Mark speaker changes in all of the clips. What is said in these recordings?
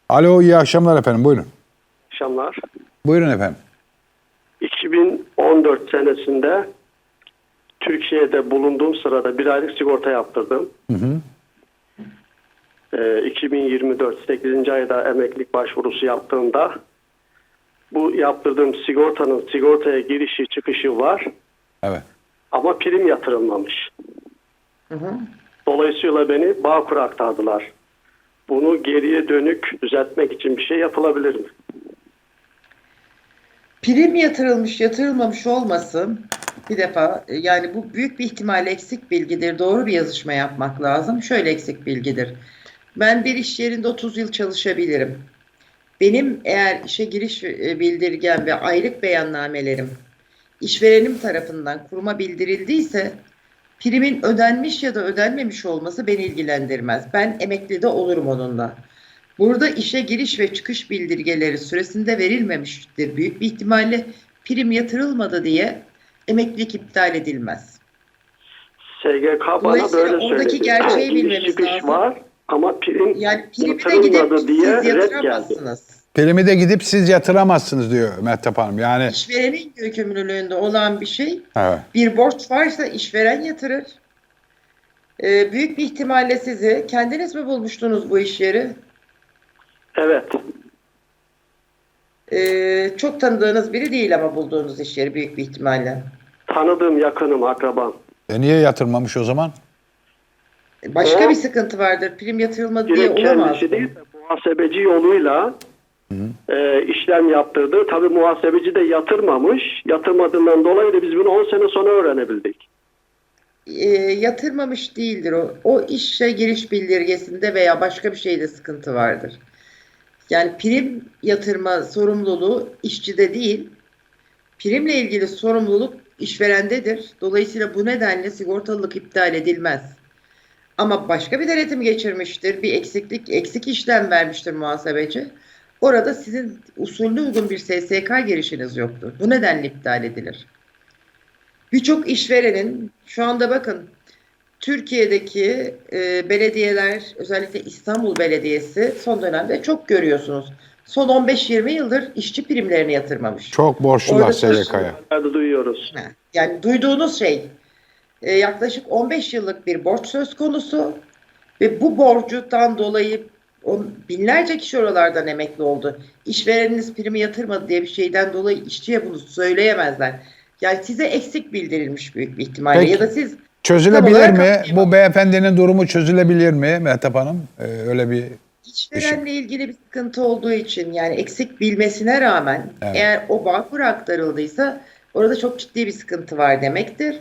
Speaker 1: Alo, iyi akşamlar efendim. Buyurun.
Speaker 2: Akşamlar.
Speaker 1: Buyurun efendim.
Speaker 2: 2014 senesinde Türkiye'de bulunduğum sırada bir aylık sigorta yaptırdım. 2024 8. ayda emeklilik başvurusu yaptığımda bu yaptırdığım sigortanın sigortaya girişi çıkışı var
Speaker 1: Evet.
Speaker 2: ama prim yatırılmamış. Dolayısıyla beni Bağkur'a aktardılar. Bunu geriye dönük düzeltmek için bir şey yapılabilir mi?
Speaker 3: Prim yatırılmış yatırılmamış olmasın bir defa yani bu büyük bir ihtimalle eksik bilgidir. Doğru bir yazışma yapmak lazım. Şöyle eksik bilgidir. Ben bir iş yerinde 30 yıl çalışabilirim. Benim eğer işe giriş bildirgem ve aylık beyannamelerim işverenim tarafından kuruma bildirildiyse primin ödenmiş ya da ödenmemiş olması beni ilgilendirmez. Ben emekli de olurum onunla. Burada işe giriş ve çıkış bildirgeleri süresinde verilmemiştir. Büyük bir ihtimalle prim yatırılmadı diye emeklilik iptal edilmez.
Speaker 2: SGK bana
Speaker 3: Dolayısıyla
Speaker 2: böyle
Speaker 3: oradaki
Speaker 2: söyledi.
Speaker 3: gerçeği
Speaker 2: Giriş
Speaker 3: bilmemiz
Speaker 2: çıkış
Speaker 3: lazım.
Speaker 2: var ama prim
Speaker 3: Yani primi de gidip
Speaker 2: yatırılmadı
Speaker 3: siz
Speaker 2: diye red geldi.
Speaker 3: yatıramazsınız.
Speaker 1: Primi de gidip siz yatıramazsınız diyor Mehtap Hanım. Yani
Speaker 3: İşverenin yükümlülüğünde olan bir şey.
Speaker 1: evet.
Speaker 3: Bir borç varsa işveren yatırır. Büyük bir ihtimalle sizi kendiniz mi bulmuştunuz bu iş yeri?
Speaker 2: Evet.
Speaker 3: Çok tanıdığınız biri değil ama bulduğunuz iş yeri büyük bir ihtimalle.
Speaker 2: Tanıdığım, yakınım, akrabam.
Speaker 1: Niye yatırmamış o zaman?
Speaker 3: Başka
Speaker 2: O,
Speaker 3: bir sıkıntı vardır. Prim yatırılmadı diye
Speaker 2: direkt
Speaker 3: olamaz
Speaker 2: kendisi
Speaker 3: mı?
Speaker 2: değil de muhasebeci yoluyla işlem yaptırdı. Tabii muhasebeci de yatırmamış. Yatırmadığından dolayı da biz bunu 10 sene sonra öğrenebildik.
Speaker 3: Yatırmamış değildir o. O işe giriş bildirgesinde veya başka bir şeyde sıkıntı vardır. Yani prim yatırma sorumluluğu işçide değil, primle ilgili sorumluluk işverendedir. Dolayısıyla bu nedenle sigortalılık iptal edilmez. Ama başka bir denetim geçirmiştir, bir eksik işlem vermiştir muhasebeci. Orada sizin usulüne uygun bir SSK girişiniz yoktur. Bu nedenle iptal edilir. Birçok işverenin şu anda bakın Türkiye'deki belediyeler özellikle İstanbul Belediyesi son dönemde çok görüyorsunuz. Son 15-20 yıldır işçi primlerini yatırmamış.
Speaker 1: Çok borçlular
Speaker 3: Orada
Speaker 1: SGK'ya.
Speaker 2: Nerede duyuyoruz.
Speaker 3: Yani duyduğunuz şey yaklaşık 15 yıllık bir borç söz konusu ve bu borcudan dolayı binlerce kişi oralardan emekli oldu. İşvereniniz primi yatırmadı diye bir şeyden dolayı işçiye bunu söyleyemezler. Yani size eksik bildirilmiş büyük bir ihtimalle.
Speaker 1: Peki.
Speaker 3: Ya da siz
Speaker 1: Çözülebilir
Speaker 3: tam olarak
Speaker 1: mi? Bu
Speaker 3: anlayamadım.
Speaker 1: beyefendinin durumu çözülebilir mi Mehtap Hanım? Öyle bir
Speaker 3: İşverenle ilgili bir sıkıntı olduğu için yani eksik bilmesine rağmen
Speaker 1: Evet.
Speaker 3: eğer o Bağkur'a aktarıldıysa orada çok ciddi bir sıkıntı var demektir.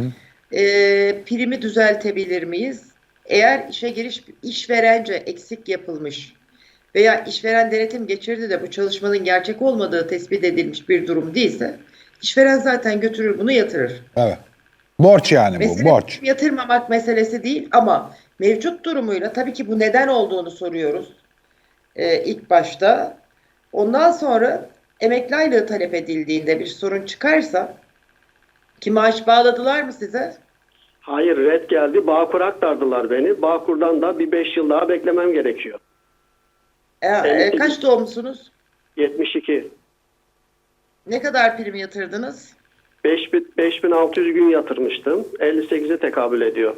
Speaker 3: Primi düzeltebilir miyiz? Eğer işe giriş işverence eksik yapılmış veya işveren denetim geçirdi de bu çalışmanın gerçek olmadığı tespit edilmiş bir durum değilse işveren zaten götürür bunu yatırır.
Speaker 1: evet. Borç yani bu,
Speaker 3: Mesele
Speaker 1: borç.
Speaker 3: yatırmamak meselesi değil ama mevcut durumuyla tabii ki bu neden olduğunu soruyoruz ilk başta. Ondan sonra emekli aylığı talep edildiğinde bir sorun çıkarsa ki maaş bağladılar mı size?
Speaker 2: Hayır, red geldi. Bağkur'a aktardılar beni. Bağkur'dan da bir 5 yıl daha beklemem gerekiyor.
Speaker 3: Kaç doğumlusunuz?
Speaker 2: 72.
Speaker 3: Ne kadar prim yatırdınız?
Speaker 2: 5600 gün yatırmıştım. 58'e tekabül ediyor.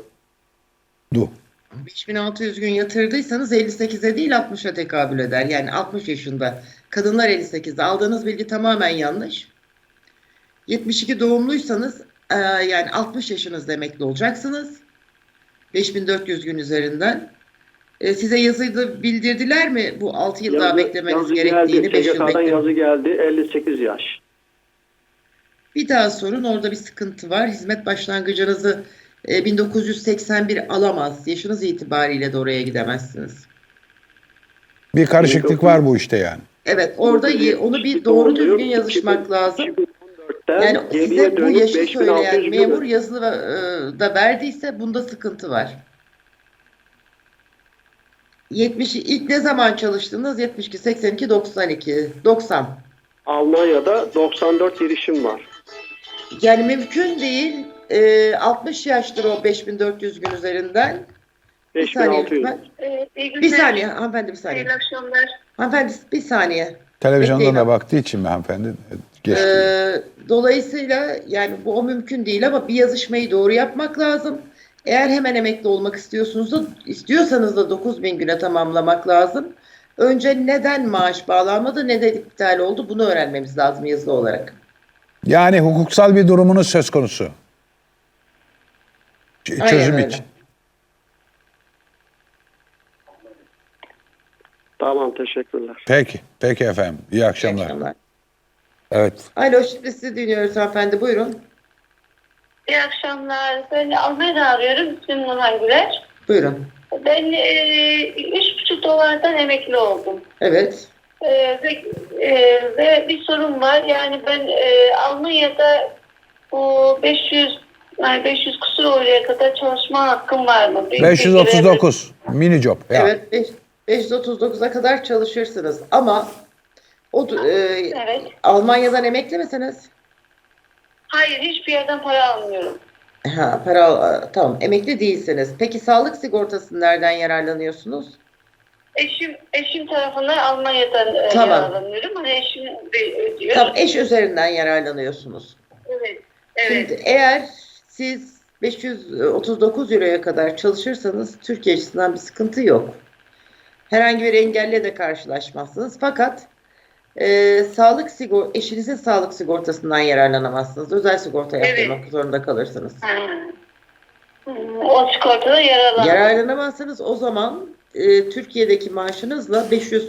Speaker 3: 5600 gün yatırdıysanız 58'e değil 60'a tekabül eder. Yani 60 yaşında. Kadınlar 58'de. Aldığınız bilgi tamamen yanlış. 72 doğumluysanız yani 60 yaşınızda emekli olacaksınız. 5400 gün üzerinden. Size yazıda bildirdiler mi bu 6 yıl daha beklemeniz gerektiğini, 5 yıl
Speaker 2: SGK'dan
Speaker 3: beklemeniz?
Speaker 2: yazı geldi. 58 yaş.
Speaker 3: Bir daha sorun, orada bir sıkıntı var. Hizmet başlangıcınızı 1981 alamaz. Yaşınız itibariyle de oraya gidemezsiniz.
Speaker 1: Bir karışıklık var bu işte yani.
Speaker 3: Evet, orada onu bir doğru düzgün yazışmak lazım.
Speaker 2: 2014'ten
Speaker 3: Yani
Speaker 2: geriye
Speaker 3: size bu
Speaker 2: dönük
Speaker 3: yaşı
Speaker 2: 5600
Speaker 3: söyleyen
Speaker 2: gün.
Speaker 3: memur yazılı da verdiyse bunda sıkıntı var. 70 ilk ne zaman çalıştınız? 72, 82, 92, 90.
Speaker 2: Almanya'da 94 girişim var.
Speaker 3: Yani mümkün değil. 60 yaştır o 5400 gün üzerinden. Bir saniye
Speaker 2: 5600.
Speaker 3: lütfen.
Speaker 4: İyi günler.
Speaker 3: Bir saniye hanımefendi, bir saniye.
Speaker 4: Hayırlı akşamlar.
Speaker 3: Hanımefendi bir saniye.
Speaker 1: Televizyondan
Speaker 3: Bekleyin
Speaker 1: da
Speaker 3: abi.
Speaker 1: baktığı için mi hanımefendi? Geçti.
Speaker 3: Dolayısıyla yani bu o mümkün değil ama bir yazışmayı doğru yapmak lazım. Eğer hemen emekli olmak istiyorsanız da 9.000 güne tamamlamak lazım. Önce neden maaş bağlanmadı, neden iptal oldu bunu öğrenmemiz lazım yazılı olarak.
Speaker 1: Yani hukuksal bir durumunuz söz konusu.
Speaker 3: Aynen
Speaker 1: Çözüm
Speaker 3: öyle.
Speaker 1: için.
Speaker 2: Tamam, teşekkürler.
Speaker 1: Peki. Peki efendim. İyi
Speaker 3: İyi
Speaker 1: akşamlar.
Speaker 3: akşamlar.
Speaker 1: Evet.
Speaker 3: Alo, şimdi sizi dinliyoruz hanımefendi, buyurun.
Speaker 4: İyi akşamlar. Ben Almanya'da arıyorum. İsmim Nurhan Güler.
Speaker 3: Buyurun.
Speaker 4: Ben 3,5 dolardan emekli oldum.
Speaker 3: Evet.
Speaker 4: Ve bir sorun var. Yani ben Almanya'da bu 500 kusur oraya kadar çalışma hakkım var mı?
Speaker 1: 539. Mini job. Ya.
Speaker 3: Evet, 539'a kadar çalışırsınız ama
Speaker 4: Evet.
Speaker 3: Almanya'dan emekli misiniz?
Speaker 4: Hayır, hiçbir yerden para almıyorum.
Speaker 3: Ha, tamam, emekli değilsiniz. Peki sağlık sigortası nereden yararlanıyorsunuz?
Speaker 4: Eşim tarafından Almanya'dan
Speaker 3: Tamam.
Speaker 4: yararlanıyorum. Hani eşim de ödüyor.
Speaker 3: Tam eş üzerinden yararlanıyorsunuz.
Speaker 4: Evet. Evet.
Speaker 3: Şimdi eğer siz 539 euroya kadar çalışırsanız Türkiye açısından bir sıkıntı yok. Herhangi bir engelle de karşılaşmazsınız. Fakat eşinizin sağlık sigortasından yararlanamazsınız. Özel sigorta yaptırmak zorunda kalırsınız.
Speaker 4: O sigortada
Speaker 3: Yararlanamazsanız o zaman Türkiye'deki maaşınızla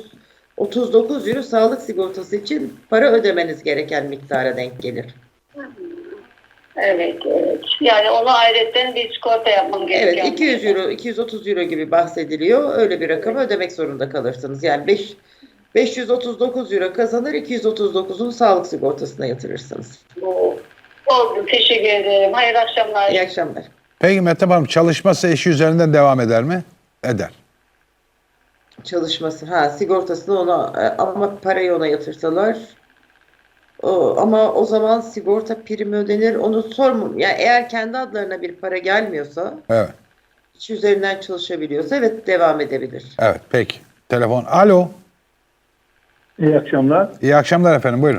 Speaker 3: 539 euro sağlık sigortası için para ödemeniz gereken miktara denk gelir.
Speaker 4: Evet, evet. Yani ona ayrıca bir sigorta yapmam gerekiyor.
Speaker 3: Evet, 200 euro, 230 euro gibi bahsediliyor. Öyle bir rakamı ödemek zorunda kalırsınız. Yani 539 euro kazanır, 239'unu sağlık sigortasına yatırırsınız.
Speaker 4: Oldu, teşekkür ederim. Hayırlı akşamlar.
Speaker 3: İyi akşamlar.
Speaker 1: Peki Mehtap Hanım, çalışması eşi üzerinden devam eder mi? Eder.
Speaker 3: Çalışması, sigortasını ona ama parayı ona yatırsalar ama o zaman sigorta primi ödenir. Onu sormam. Yani eğer kendi adlarına bir para gelmiyorsa,
Speaker 1: Evet.
Speaker 3: iş üzerinden çalışabiliyorsa evet devam edebilir.
Speaker 1: Evet. Peki. Telefon. Alo.
Speaker 5: İyi akşamlar.
Speaker 1: İyi akşamlar efendim. Buyurun.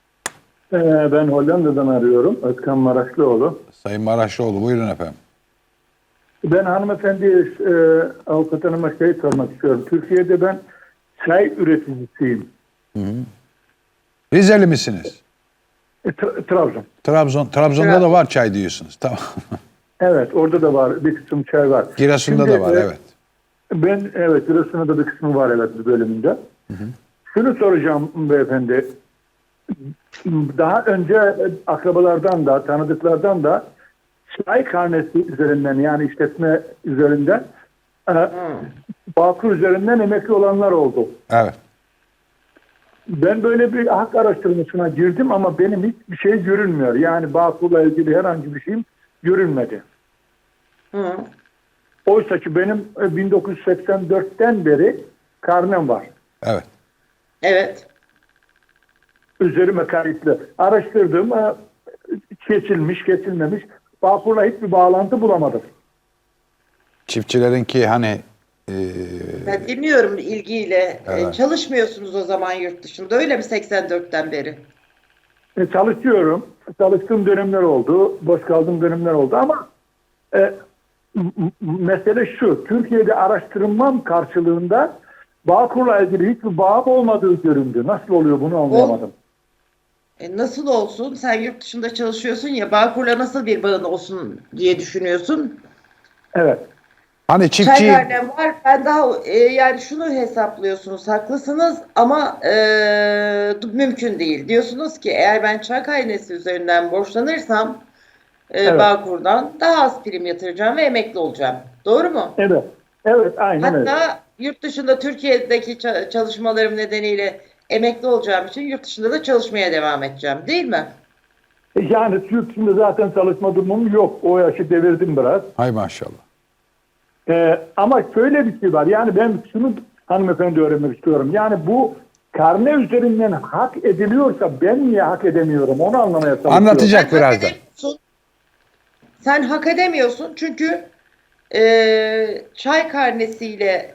Speaker 5: Ben Hollanda'dan arıyorum. Özkan Maraşlıoğlu.
Speaker 1: Sayın Maraşlıoğlu. Buyurun efendim.
Speaker 5: Ben hanımefendi avukat hanıma sormak istiyorum. Türkiye'de ben çay üreticisiyim.
Speaker 1: Rizeli misiniz?
Speaker 5: Trabzon.
Speaker 1: Trabzon'da da var çay diyorsunuz. Tamam.
Speaker 5: Evet, orada da var. Bir kısım çay var.
Speaker 1: Giresun'da
Speaker 5: Şimdi,
Speaker 1: da var. Evet.
Speaker 5: Evet, Giresun'da da bir kısmı var evet bir bölümünde. Şunu soracağım beyefendi. Daha önce akrabalardan da, tanıdıklardan da çay karnesi üzerinden yani işletme üzerinden Bağkur üzerinden emekli olanlar oldu.
Speaker 1: Evet.
Speaker 5: Ben böyle bir hak araştırmasına girdim ama benim hiçbir şey görünmüyor. Yani Bağkur'la ilgili herhangi bir şeyim görünmedi.
Speaker 3: Hı.
Speaker 5: Oysa ki benim 1984'ten beri karnem var.
Speaker 1: Evet.
Speaker 3: Evet.
Speaker 5: Üzerime kayıtlı. Araştırdım. Geçilmiş, geçilmemiş. Bağkur'la hiçbir bağlantı bulamadım.
Speaker 1: Çiftçilerinki hani
Speaker 3: Ben dinliyorum ilgiyle.
Speaker 1: Evet.
Speaker 3: Çalışmıyorsunuz o zaman yurt dışında öyle mi 84'ten beri?
Speaker 5: Çalışıyorum. Çalıştığım dönemler oldu. Boş kaldığım dönemler oldu ama mesele şu. Türkiye'de araştırmam karşılığında Bağkur'la ilgili hiçbir bağım olmadığı göründü. Nasıl oluyor bunu anlayamadım.
Speaker 3: Nasıl olsun? Sen yurt dışında çalışıyorsun ya, Bağkur'la nasıl bir bağın olsun diye düşünüyorsun.
Speaker 5: Evet.
Speaker 1: hani
Speaker 3: Çay
Speaker 1: çiftçi
Speaker 3: karnem var. Ben daha yani şunu hesaplıyorsunuz, haklısınız ama mümkün değil. Diyorsunuz ki eğer ben çay karnesi üzerinden borçlanırsam
Speaker 5: Evet.
Speaker 3: Bağkur'dan daha az prim yatıracağım ve emekli olacağım. Doğru mu?
Speaker 5: Evet. Evet, aynen öyle.
Speaker 3: Hatta yurt dışında Türkiye'deki çalışmalarım nedeniyle emekli olacağım için yurt dışında da çalışmaya devam edeceğim, değil mi?
Speaker 5: Yani Türk şimdi zaten çalışma durumum yok. O yaşı devirdim biraz.
Speaker 1: hay maşallah.
Speaker 5: Ama şöyle bir şey var. Yani ben şunu hanımefendi öğrenmek istiyorum. Yani bu karne üzerinden hak ediliyorsa ben niye hak edemiyorum? Onu anlamaya çalışıyorum.
Speaker 1: Anlatacak
Speaker 3: Sen hak
Speaker 1: birazdan.
Speaker 3: edemiyorsun. Sen hak edemiyorsun çünkü çay karnesiyle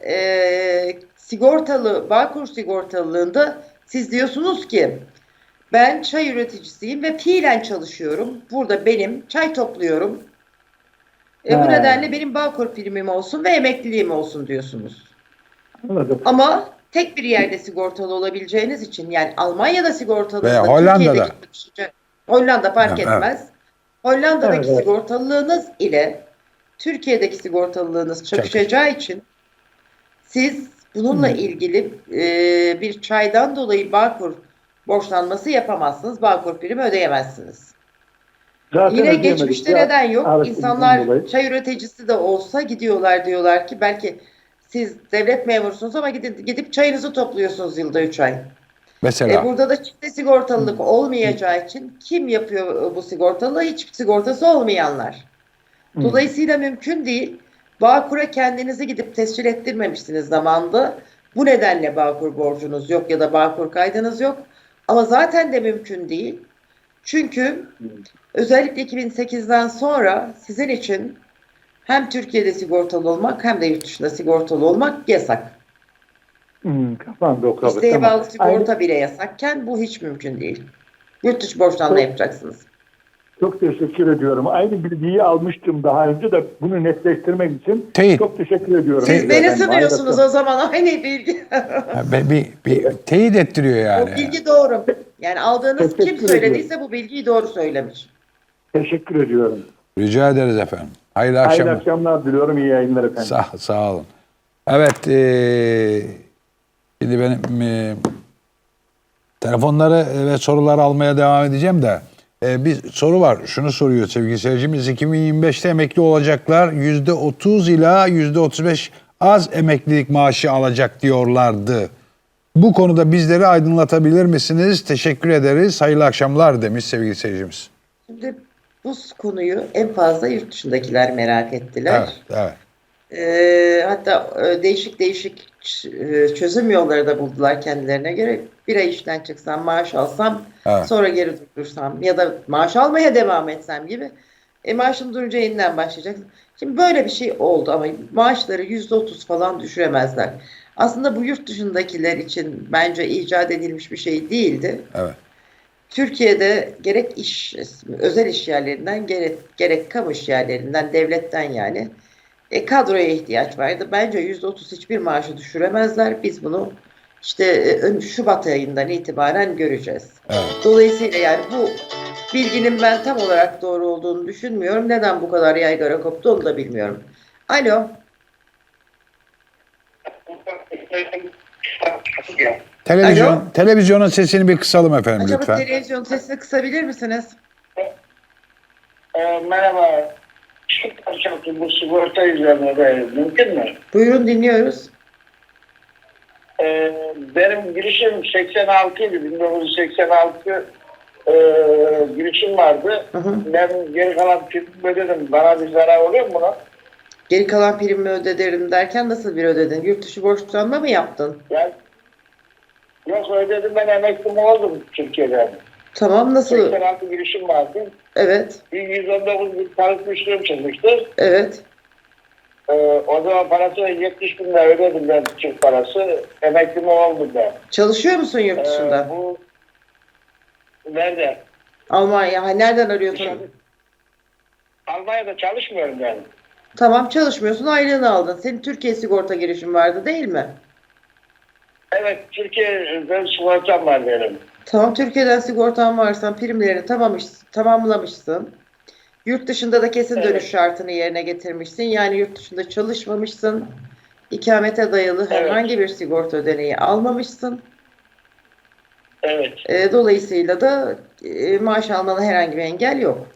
Speaker 3: sigortalı, Bağkur sigortalılığında siz diyorsunuz ki ben çay üreticisiyim ve fiilen çalışıyorum. Burada benim çay topluyorum. Bu
Speaker 5: He.
Speaker 3: nedenle benim Bağkur primim olsun ve emekliliğim olsun diyorsunuz.
Speaker 5: Anladım.
Speaker 3: Ama tek bir yerde sigortalı olabileceğiniz için, yani Almanya'da sigortalı,
Speaker 1: Veya Hollanda'da.
Speaker 3: Hollanda fark
Speaker 1: Evet.
Speaker 3: etmez. Hollanda'daki
Speaker 5: Evet, evet.
Speaker 3: sigortalılığınız ile Türkiye'deki sigortalılığınız çakışacağı için siz bununla ilgili bir çaydan dolayı Bağkur borçlanması yapamazsınız. Bağkur primi ödeyemezsiniz.
Speaker 5: Zaten
Speaker 3: Yine
Speaker 5: ödeyemedik
Speaker 3: geçmişte
Speaker 5: ya.
Speaker 3: neden yok?
Speaker 5: Evet,
Speaker 3: İnsanlar
Speaker 5: bundan dolayı.
Speaker 3: çay üreticisi de olsa gidiyorlar, diyorlar ki belki siz devlet memursunuz ama gidip çayınızı topluyorsunuz yılda 3 ay.
Speaker 1: Mesela
Speaker 3: Burada da çifte sigortalılık olmayacağı için kim yapıyor bu sigortalılığı? Hiçbir sigortası olmayanlar. Dolayısıyla mümkün değil. Bağkur'a kendinizi gidip tescil ettirmemişsiniz zamanında. Bu nedenle Bağkur borcunuz yok ya da Bağkur kaydınız yok. Ama zaten de mümkün değil. Çünkü özellikle 2008'den sonra sizin için hem Türkiye'de sigortalı olmak hem de yurt dışında sigortalı olmak yasak.
Speaker 5: Kapandı o kabul.
Speaker 3: İsteğe
Speaker 5: Tamam.
Speaker 3: bağlı sigorta bile yasakken bu hiç mümkün değil. Yurt dışı borçlanma yapacaksınız.
Speaker 5: Çok teşekkür ediyorum. Aynı bilgiyi almıştım daha önce de bunu netleştirmek için
Speaker 1: Teyit.
Speaker 5: çok teşekkür ediyorum.
Speaker 3: Siz beni
Speaker 5: Efendim,
Speaker 3: sınıyorsunuz
Speaker 5: harikasın.
Speaker 3: o zaman, aynı bilgi.
Speaker 1: bir teyit ettiriyor
Speaker 3: O
Speaker 1: yani.
Speaker 3: bilgi doğru. Yani aldığınız kim
Speaker 5: Teşekkür
Speaker 3: söylediyse bu bilgiyi doğru söylemiş.
Speaker 5: Teşekkür ediyorum.
Speaker 1: Rica ederiz efendim. Hayırlı
Speaker 5: Hayırlı
Speaker 1: akşamlar.
Speaker 5: akşamlar diliyorum. İyi yayınlar efendim.
Speaker 1: Sağ olun. Evet, şimdi benim telefonları ve soruları almaya devam edeceğim de bir soru var. Şunu soruyor sevgili seyircimiz. 2025'te emekli olacaklar %30 ila %35 az emeklilik maaşı alacak diyorlardı. Bu konuda bizleri aydınlatabilir misiniz? Teşekkür ederiz. Hayırlı akşamlar demiş sevgili seyircimiz.
Speaker 3: Şimdi bu konuyu en fazla yurt dışındakiler merak ettiler.
Speaker 1: Evet.
Speaker 3: Hatta değişik çözüm yolları da buldular kendilerine göre. Bir ay işten çıksam, maaş alsam,
Speaker 1: Evet.
Speaker 3: sonra geri durursam ya da maaş almaya devam etsem gibi. Maaşım durunca yeniden başlayacak. Şimdi böyle bir şey oldu ama maaşları %30 falan düşüremezler. Aslında bu yurt dışındakiler için bence icat edilmiş bir şey değildi.
Speaker 1: Evet.
Speaker 3: Türkiye'de gerek özel iş yerlerinden gerek kamu iş yerlerinden, devletten yani kadroya ihtiyaç vardı. Bence %30 hiçbir maaşı düşüremezler. Biz bunu işte Şubat ayından itibaren göreceğiz.
Speaker 1: Evet.
Speaker 3: Dolayısıyla yani bu bilginin ben tam olarak doğru olduğunu düşünmüyorum. Neden bu kadar yaygara koptu onu da bilmiyorum. Alo.
Speaker 1: Televizyonun sesini bir kısalım efendim
Speaker 3: Acaba
Speaker 1: lütfen.
Speaker 3: televizyon sesini kısabilir misiniz?
Speaker 6: Merhaba. Şu parçası bu sigorta üzerine de mümkün mü?
Speaker 3: Buyurun, dinliyoruz.
Speaker 6: Benim girişim 86 idi. 1986 girişim vardı.
Speaker 3: Hı hı.
Speaker 6: Ben geri kalan primimi ödedim. Bana bir zarar oluyor mu buna?
Speaker 3: Geri kalan primimi öderim derken nasıl bir ödedin? Yurt dışı borçlanma mı yaptın?
Speaker 6: Yani, yok ödedim, ben emekli mi oldum Türkiye'den.
Speaker 3: Tamam, nasıl?
Speaker 6: 86 girişim vardı.
Speaker 3: Evet,
Speaker 6: Bir 119 bin tarif müşterim çıkmıştı.
Speaker 3: evet.
Speaker 6: O zaman parası 70 bin lira ödedim ben, Türk parası. Emekli mi oldum ben.
Speaker 3: Çalışıyor musun yurt dışında?
Speaker 6: Bu nerede?
Speaker 3: Almanya. Nereden arıyorsun?
Speaker 6: Almanya'da çalışmıyorum ben.
Speaker 3: Tamam, çalışmıyorsun, aylığını aldın. Senin Türkiye sigorta girişin vardı değil mi?
Speaker 6: Evet, Türkiye'de sigortam var benim.
Speaker 3: Tamam, Türkiye'den sigortan varsa primlerini tamamlamışsın. Yurt dışında da kesin
Speaker 6: Evet.
Speaker 3: dönüş şartını yerine getirmişsin. Yani yurt dışında çalışmamışsın. İkamete dayalı
Speaker 6: Evet.
Speaker 3: herhangi bir sigorta ödeneği almamışsın.
Speaker 6: Evet.
Speaker 3: Dolayısıyla da maaş almana herhangi bir engel yok.